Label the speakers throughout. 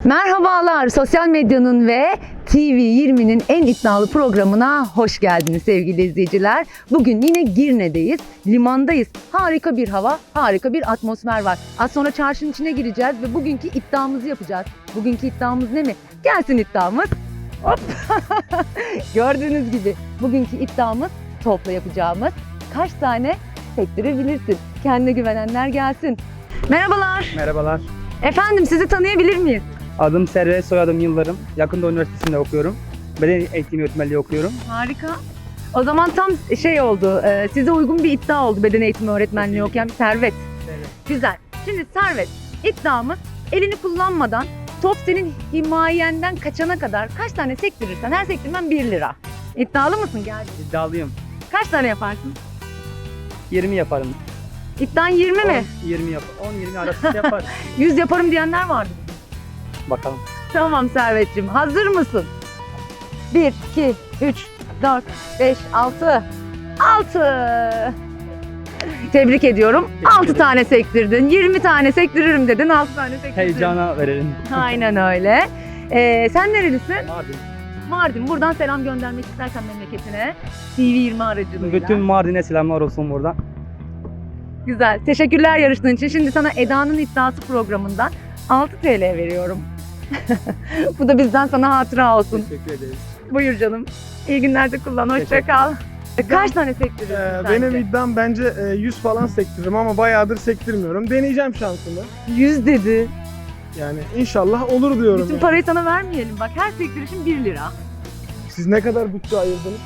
Speaker 1: Merhabalar, sosyal medyanın ve TV20'nin en iddialı programına hoş geldiniz sevgili izleyiciler. Bugün yine Girne'deyiz, limandayız. Harika bir hava, harika bir atmosfer var. Az sonra çarşının içine gireceğiz ve bugünkü iddiamızı yapacağız. Bugünkü iddiamız ne mi? Gelsin iddiamız. Hop! Gördüğünüz gibi bugünkü iddiamız topla yapacağımız kaç tane sektirebilirsin? Kendine güvenenler gelsin. Merhabalar.
Speaker 2: Merhabalar.
Speaker 1: Efendim sizi tanıyabilir miyiz?
Speaker 2: Adım Servet, soyadım Yıldırım. Yakında Üniversitesi'nde okuyorum. Beden eğitimi öğretmenliği okuyorum.
Speaker 1: Harika. O zaman tam şey oldu, size uygun bir iddia oldu beden eğitimi öğretmenliği okuyan bir Servet.
Speaker 2: Evet.
Speaker 1: Güzel. Şimdi Servet, iddiamız elini kullanmadan top senin himayenden kaçana kadar kaç tane sektirirsen her sektirmen 1 lira. İddialı mısın? Gel.
Speaker 2: İddialıyım.
Speaker 1: Kaç tane yaparsın?
Speaker 2: 20 yaparım.
Speaker 1: İddian 20 mi?
Speaker 2: 20 yap. 10-20 arası yapar.
Speaker 1: 100 yaparım diyenler vardı.
Speaker 2: Bakalım.
Speaker 1: Tamam Servetciğim, hazır mısın? 1, 2, 3, 4, 5, 6. 6. Tebrik ediyorum. 6 tane sektirdin. 20 tane sektiririm dedin. 6 tane sektirdin.
Speaker 2: Heyecana verelim.
Speaker 1: Aynen öyle. Sen nerelisin?
Speaker 2: Mardin.
Speaker 1: Mardin. Buradan selam göndermek istersen memleketine. TV20 aracılığıyla.
Speaker 2: Bütün Mardin'e selamlar olsun buradan.
Speaker 1: Güzel. Teşekkürler yarıştığın için. Şimdi sana Eda'nın iddiası programından 6 TL veriyorum. Bu da bizden sana hatıra olsun.
Speaker 2: Teşekkür ederiz.
Speaker 1: Buyur canım. İyi günlerde kullan. Hoşça kal. Kaç tane sektiriyorsun sence?
Speaker 3: Benim iddiam bence 100 falan sektiririm ama bayağıdır sektirmiyorum. Deneyeceğim şansımı.
Speaker 1: 100 dedi.
Speaker 3: Yani inşallah olur diyorum.
Speaker 1: Bütün
Speaker 3: yani.
Speaker 1: parayı sana vermeyelim. Bak her sektirişin 1 lira.
Speaker 3: Siz ne kadar bütçe ayırdınız?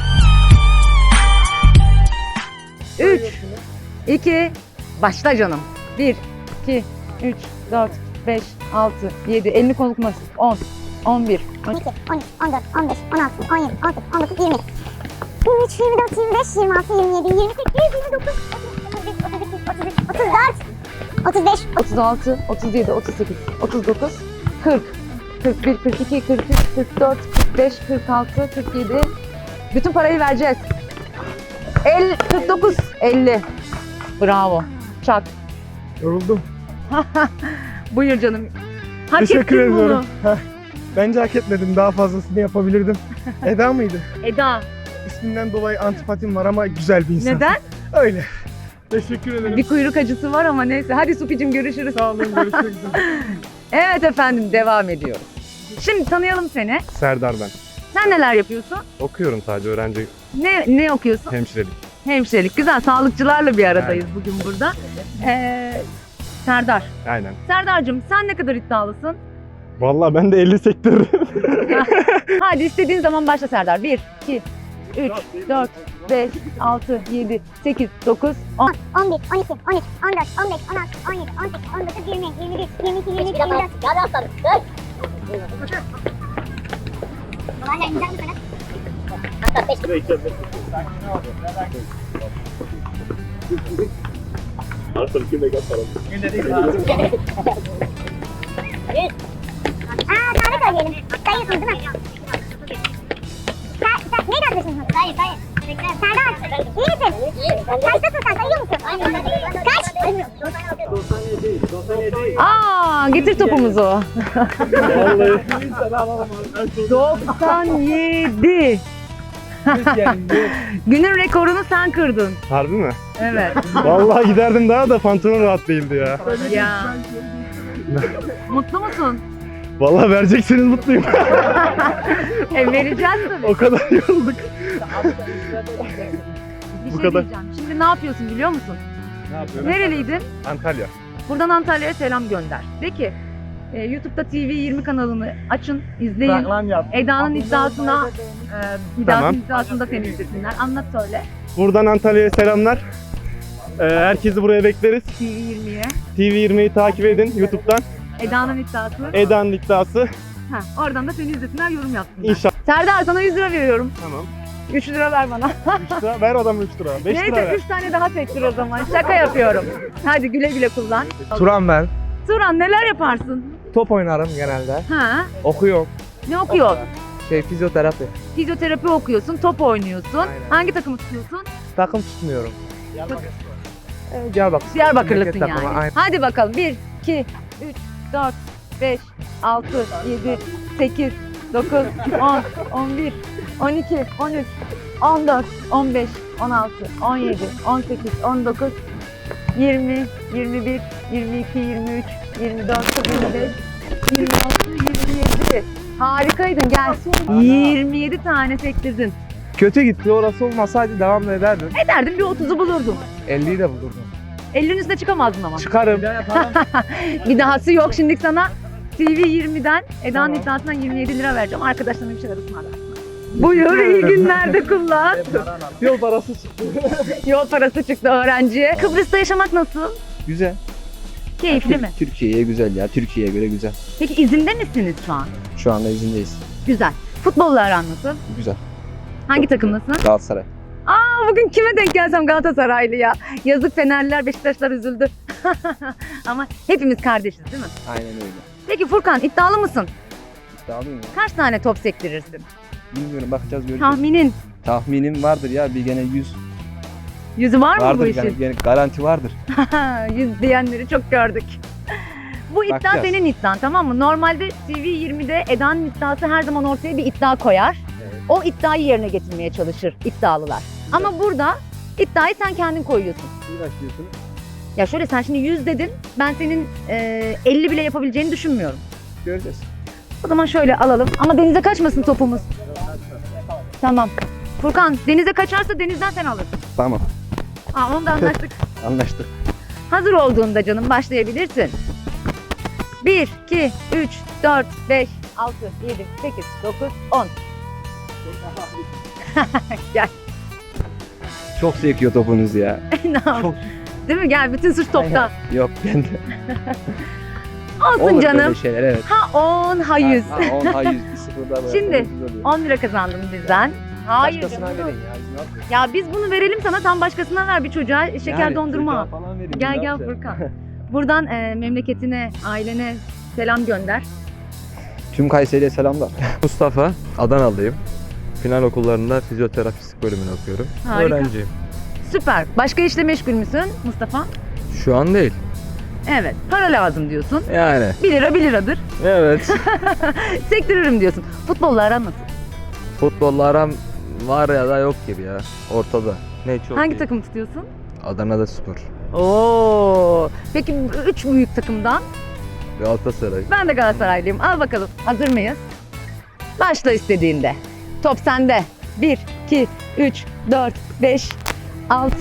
Speaker 1: 3, 2, başla canım. 1, 2, 3, 4, 5, 6, 7, elini konukmasın. 10, 11,
Speaker 4: 12, 13, 14, 15, 16, 17, 18, 19, 20. 23, 24, 25, 26, 27, 28, 29, 30, 33, 34, 35,
Speaker 1: 36, 37, 38, 39, 40, 41, 42, 43, 44, 45, 46, 47. Bütün parayı vereceğiz. 49, 50. Bravo. Çak.
Speaker 3: Yoruldum.
Speaker 1: Buyur canım. Hak
Speaker 3: Teşekkür
Speaker 1: ettin bunu.
Speaker 3: ediyorum. Bence hak etmedim. Daha fazlasını yapabilirdim. Eda mıydı?
Speaker 1: Eda.
Speaker 3: İsminden dolayı antipatim var ama güzel bir insan.
Speaker 1: Neden?
Speaker 3: Öyle. Teşekkür ederim.
Speaker 1: Bir kuyruk acısı var ama neyse. Hadi Supicim görüşürüz.
Speaker 3: Sağ olun. Görüşmek üzere.
Speaker 1: Evet efendim devam ediyoruz. Şimdi tanıyalım seni.
Speaker 5: Serdar ben.
Speaker 1: Sen neler yapıyorsun?
Speaker 5: Okuyorum sadece öğrenci
Speaker 1: Ne okuyorsun?
Speaker 5: hemşirelik.
Speaker 1: Hemşirelik. Güzel. Sağlıkçılarla bir aradayız bugün burada. Serdar.
Speaker 5: Aynen.
Speaker 1: Serdar'cığım sen ne kadar iddialısın?
Speaker 5: Vallahi ben de 50 sektiririm.
Speaker 1: Hadi istediğin zaman başla Serdar. 1, 2, 3, 4, 5, 6, 7, 8, 9, 10.
Speaker 4: 11, 12, 13, 14, 15, 16, 17, 18, 19, 20, 21, 22, 23, 24. Hadi aslanım. Hala imza mı sana? Hatta 5. Tarih söyleyelim. Sayıyorsunuz değil mi? Neydi arkadaşın? Hayır. Serdar, iyi misin? Kaçtasın sen? Sayıyor musun? Kaç?
Speaker 1: Getir topumuzu. 97. Günün rekorunu sen kırdın.
Speaker 5: Harbi mi?
Speaker 1: Evet.
Speaker 5: Vallahi giderdim daha da pantolon rahat değildi ya.
Speaker 1: Ya. Mutlu musun?
Speaker 5: Vallahi vereceksiniz mutluyum.
Speaker 1: Vereceğiz tabii.
Speaker 5: O kadar yorulduk.
Speaker 1: Bir
Speaker 5: Bu
Speaker 1: şey
Speaker 5: kadar.
Speaker 1: diyeceğim. Şimdi ne yapıyorsun biliyor musun?
Speaker 5: Ne yapıyorum?
Speaker 1: Nereliydin?
Speaker 5: Antalya.
Speaker 1: Buradan Antalya'ya selam gönder. De ki YouTube'da TV20 kanalını açın, izleyin. Eda'nın iddiasına,
Speaker 5: Tamam.
Speaker 1: iddiasında seni izlesinler. Anlat söyle.
Speaker 5: Buradan Antalya'ya selamlar. Herkesi buraya bekleriz.
Speaker 1: TV20'ye.
Speaker 5: TV20'yi takip edin YouTube'dan.
Speaker 1: Eda'nın iddiası.
Speaker 5: Eda'nın iddiası.
Speaker 1: Oradan da seni izlesinler, yorum yapsınlar.
Speaker 5: İnşallah.
Speaker 1: Serdar sana 100 lira veriyorum.
Speaker 5: Tamam.
Speaker 1: 3 lira ver bana.
Speaker 5: 3 lira. Ver adamı 3 lira. 5 lira
Speaker 1: Neyse
Speaker 5: ver.
Speaker 1: 3 tane daha sektir o zaman. Şaka yapıyorum. Hadi güle güle kullan.
Speaker 6: Turan ben.
Speaker 1: Turan neler yaparsın?
Speaker 6: Top oynarım genelde.
Speaker 1: Ha?
Speaker 6: Okuyorum.
Speaker 1: Ne okuyorsun?
Speaker 6: Fizyoterapi.
Speaker 1: Fizyoterapi okuyorsun, top oynuyorsun.
Speaker 6: Aynen.
Speaker 1: Hangi takımı tutuyorsun?
Speaker 6: Takım tutmuyorum. Diyarbakır.
Speaker 1: Diyarbakırlısın
Speaker 6: Memleket takımı,
Speaker 1: yani.
Speaker 6: aynen.
Speaker 1: Hadi bakalım. 1, 2, 3, 4, 5, 6, 7, 8, 9, 10, 11, 12, 13, 14, 15, 16, 17, 18, 19, 20, 21, 22, 23, 24, 25, 26, 27. Harikaydın, gel. 27 tane sektirdin.
Speaker 6: Kötü gitti. Orası olmasaydı devam ederdim.
Speaker 1: Ederdin bir 30'u bulurdun.
Speaker 6: 50'yi de bulurdum.
Speaker 1: 50'nin üstüne çıkamazdın ama.
Speaker 6: Çıkarım.
Speaker 1: Bir dahası yok. Şimdi sana TV 20'den Eda'nın iddiasından 27 lira vereceğim. Arkadaşlarına bir şeyler ısmarlarsın. Buyur, iyi günlerde kullan.
Speaker 6: Yol parası çıktı.
Speaker 1: Yol parası çıktı öğrenciye. Kıbrıs'ta yaşamak nasıl?
Speaker 7: Güzel.
Speaker 1: Keyifli mi?
Speaker 7: Türkiye'ye güzel ya. Türkiye'ye göre güzel.
Speaker 1: Peki izinde misiniz şu an?
Speaker 7: Şu anda izindeyiz.
Speaker 1: Güzel. Futbolla aran nasıl?
Speaker 7: Güzel.
Speaker 1: Hangi takımlısın?
Speaker 7: Galatasaray.
Speaker 1: Bugün kime denk gelsem Galatasaraylı ya. Yazık Fenerliler, Beşiktaşlar üzüldü. Ama hepimiz kardeşiz değil mi?
Speaker 7: Aynen öyle.
Speaker 1: Peki Furkan, iddialı mısın?
Speaker 7: İddialıyım ya.
Speaker 1: Kaç tane top sektirirsin?
Speaker 7: Bilmiyorum, bakacağız, göreceğiz.
Speaker 1: Tahminin.
Speaker 7: Tahminim vardır ya, bir gene 100
Speaker 1: Yüzü var mı bu
Speaker 7: vardır
Speaker 1: işin?
Speaker 7: yani, gene garanti vardır.
Speaker 1: 100 diyenleri çok gördük. Bu iddia
Speaker 7: Bakacağız.
Speaker 1: senin iddian, tamam mı? Normalde TV20'de Eda'nın iddiası her zaman ortaya bir iddia koyar. O iddiayı yerine getirmeye çalışır iddialılar. Ama burada iddiayı sen kendin koyuyorsun.
Speaker 7: İyi başlıyorsun.
Speaker 1: Ya şöyle, sen şimdi 100 dedin. Ben senin 50 bile yapabileceğini düşünmüyorum.
Speaker 7: Göreceğiz.
Speaker 1: O zaman şöyle alalım. Ama denize kaçmasın topumuz. Tamam. Furkan, denize kaçarsa denizden sen alırsın.
Speaker 7: Tamam.
Speaker 1: Onu da anlaştık.
Speaker 7: Anlaştık.
Speaker 1: Hazır olduğunda canım başlayabilirsin. 1, 2, 3, 4, 5, 6, 7, 8, 9, 10. Gel.
Speaker 7: Çok sekiyor topunuz ya.
Speaker 1: Ne yapayım? Değil mi? Gel, bütün suç topta.
Speaker 7: Yok, ben de.
Speaker 1: Olsun
Speaker 7: Olur
Speaker 1: canım.
Speaker 7: böyle şeyler, evet.
Speaker 1: Ha 10, ha 100.
Speaker 7: Ha 10, ha 100, bir sıfırda böyle.
Speaker 1: Şimdi, 10 lira kazandın bizden. Hayır
Speaker 7: Başkasına
Speaker 1: canım.
Speaker 7: verin ya. Biz ne yapıyoruz?
Speaker 1: Ya biz bunu verelim sana, tam başkasına ver bir çocuğa şeker
Speaker 7: Yani
Speaker 1: dondurma.
Speaker 7: çocuğa falan verin, biz
Speaker 1: Gel
Speaker 7: ne
Speaker 1: gel
Speaker 7: yapacağız?
Speaker 1: Furkan. Buradan memleketine, ailene selam gönder.
Speaker 7: Tüm Kayseri'ye selamlar.
Speaker 8: Mustafa, Adanalıyım. Final okullarında fizyoterapistlik bölümünü okuyorum.
Speaker 1: Harika.
Speaker 8: Öğrenciyim.
Speaker 1: Süper. Başka işle meşgul müsün Mustafa?
Speaker 8: Şu an değil.
Speaker 1: Evet. Para lazım diyorsun.
Speaker 8: Yani.
Speaker 1: 1 lira 1 liradır.
Speaker 8: Evet.
Speaker 1: Sektiririm diyorsun. Futbolla aran nasıl?
Speaker 8: Futbolla aram var ya da yok gibi ya. Ortada. Ne çok
Speaker 1: Hangi
Speaker 8: iyi.
Speaker 1: takım tutuyorsun?
Speaker 8: Adana'da Spor.
Speaker 1: Oo. Peki 3 büyük takımdan?
Speaker 8: Galatasaray.
Speaker 1: Ben de Galatasaraylıyım. Al bakalım. Hazır mıyız? Başla istediğinde. Top sende. 1, 2, 3, 4, 5, 6.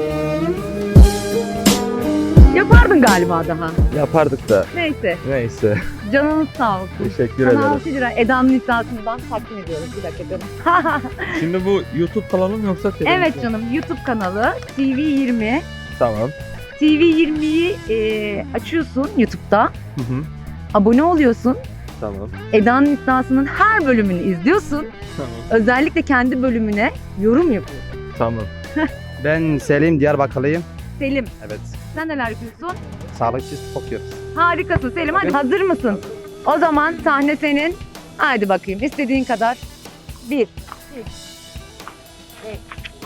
Speaker 1: Yapardın galiba daha.
Speaker 8: Yapardık da.
Speaker 1: Neyse.
Speaker 8: Neyse.
Speaker 1: Canınız sağ olsun.
Speaker 8: Teşekkür
Speaker 1: Sana
Speaker 8: ederim.
Speaker 1: 6 lira Eda'nın iddiasından takdim ediyoruz. Bir dakika canım.
Speaker 8: Şimdi bu YouTube kanalı mı yoksa televizyon?
Speaker 1: Evet canım, YouTube kanalı TV20.
Speaker 8: Tamam.
Speaker 1: TV20'yi açıyorsun YouTube'da.
Speaker 8: Hı hı.
Speaker 1: Abone oluyorsun.
Speaker 8: Tamam.
Speaker 1: Eda'nın iddiasının her bölümünü izliyorsun.
Speaker 8: Tamam.
Speaker 1: Özellikle kendi bölümüne yorum yapıyorsun.
Speaker 8: Tamam.
Speaker 2: Ben Selim, Diyarbakırlıyım.
Speaker 1: Selim,
Speaker 2: Evet.
Speaker 1: sen neler yapıyorsun?
Speaker 2: Sağlıkçı okuyoruz.
Speaker 1: Harikasın Selim. Hadi hazır mısın? O zaman sahne senin. Haydi bakayım, istediğin kadar. 1, 2, 5,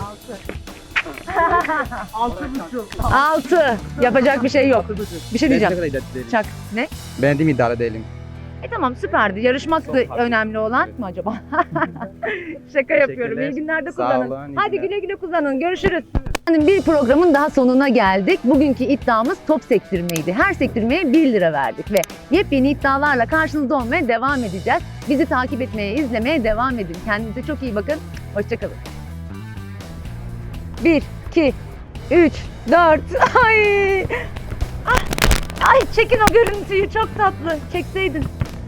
Speaker 1: 6. 6. Yapacak bir şey yok. Bir şey diyeceğim. Çak. Ne?
Speaker 2: Ben de iddialı değilim.
Speaker 1: Tamam, süperdi. Yarışmak da önemli olan mı acaba? Şaka yapıyorum. İyi günlerde
Speaker 2: Sağ
Speaker 1: kullanın.
Speaker 2: olun, iyi
Speaker 1: Hadi
Speaker 2: günler.
Speaker 1: güle güle kullanın. Görüşürüz. Bir programın daha sonuna geldik. Bugünkü iddiamız top sektirmeydi. Her sektirmeye 1 lira verdik ve yepyeni iddialarla karşınızda olmaya devam edeceğiz. Bizi takip etmeye, izlemeye devam edin. Kendinize çok iyi bakın. Hoşçakalın. 1, 2, 3, 4. Ay! Ah! Ay çekin o görüntüyü, çok tatlı. Çekseydin.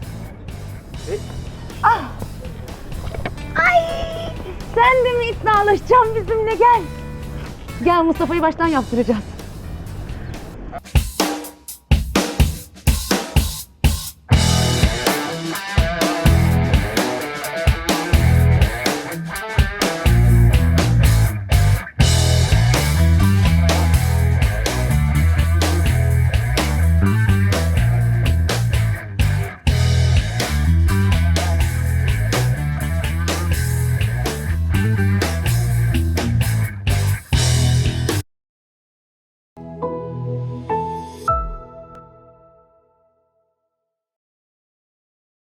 Speaker 1: Ah! Ay! Sen de mi iddialaşacaksın bizimle, gel. Gel, Mustafa'yı baştan yaptıracağız.